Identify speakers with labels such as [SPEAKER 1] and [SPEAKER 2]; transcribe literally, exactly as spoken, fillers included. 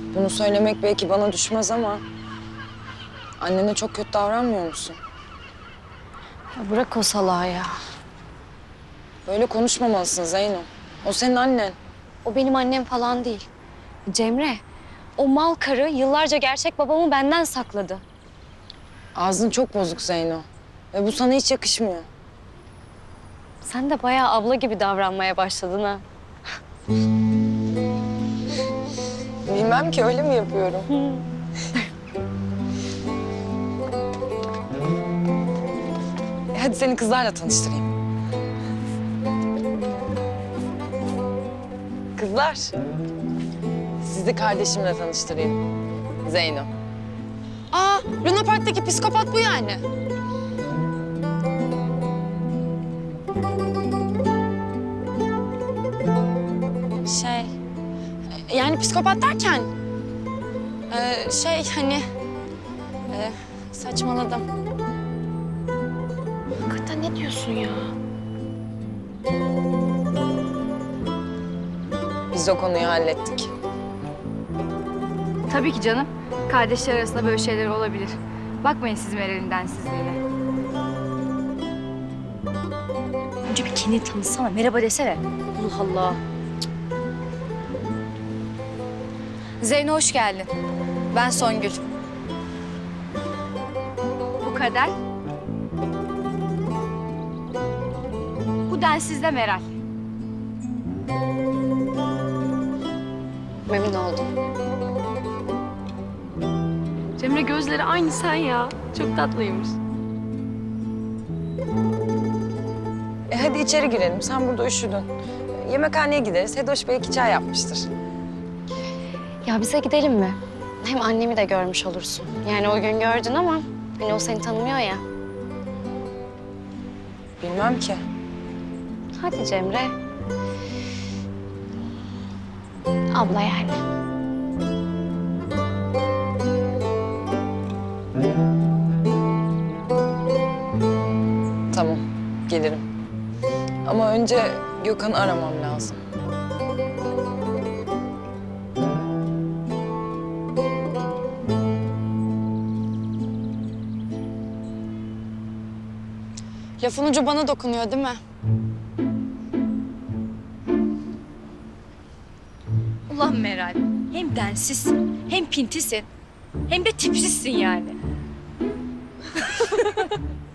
[SPEAKER 1] Bunu söylemek belki bana düşmez ama... annene çok kötü davranmıyor musun?
[SPEAKER 2] Ya bırak o salağı ya.
[SPEAKER 1] Böyle konuşmamalısın Zeyno. O senin annen.
[SPEAKER 2] O benim annem falan değil. Cemre, o mal karı yıllarca gerçek babamı benden sakladı.
[SPEAKER 1] Ağzın çok bozuk Zeyno. Ve bu sana hiç yakışmıyor.
[SPEAKER 2] Sen de bayağı abla gibi davranmaya başladın ha.
[SPEAKER 1] Bilmem ki, öyle mi yapıyorum? E hadi seni kızlarla tanıştırayım. Kızlar, sizi kardeşimle tanıştırayım. Zeyno.
[SPEAKER 3] Aa, Luna Park'taki psikopat bu yani. Şey, yani psikopat derken... e, şey hani... e, saçmaladım.
[SPEAKER 2] Hakikaten ne diyorsun ya?
[SPEAKER 1] Biz o konuyu hallettik.
[SPEAKER 4] Tabii ki canım. Kardeşler arasında böyle şeyler olabilir. Bakmayın siz Meral'in densizliğine.
[SPEAKER 2] Önce bir kendini tanısana, merhaba desene. Allah Allah.
[SPEAKER 4] Zeyno hoş geldin. Ben Songül. Bu Kader. Bu densizde Meral.
[SPEAKER 2] Memnun oldum.
[SPEAKER 5] Cemre gözleri aynı sen ya. Çok tatlıymış.
[SPEAKER 1] E hadi içeri girelim. Sen burada üşüdün. Yemekhaneye gideriz. Hedoş belki çay yapmıştır.
[SPEAKER 2] Ya bize gidelim mi? Hem annemi de görmüş olursun. Yani o gün gördün ama hani o seni tanımıyor ya.
[SPEAKER 1] Bilmem ki.
[SPEAKER 2] Hadi Cemre. Abla yani.
[SPEAKER 1] Tamam, gelirim. Ama önce Gökhan'ı aramam lazım.
[SPEAKER 3] Lafın ucu bana dokunuyor değil mi?
[SPEAKER 4] Ulan Meral, hem densizsin, hem pintisin, hem de tipsizsin yani.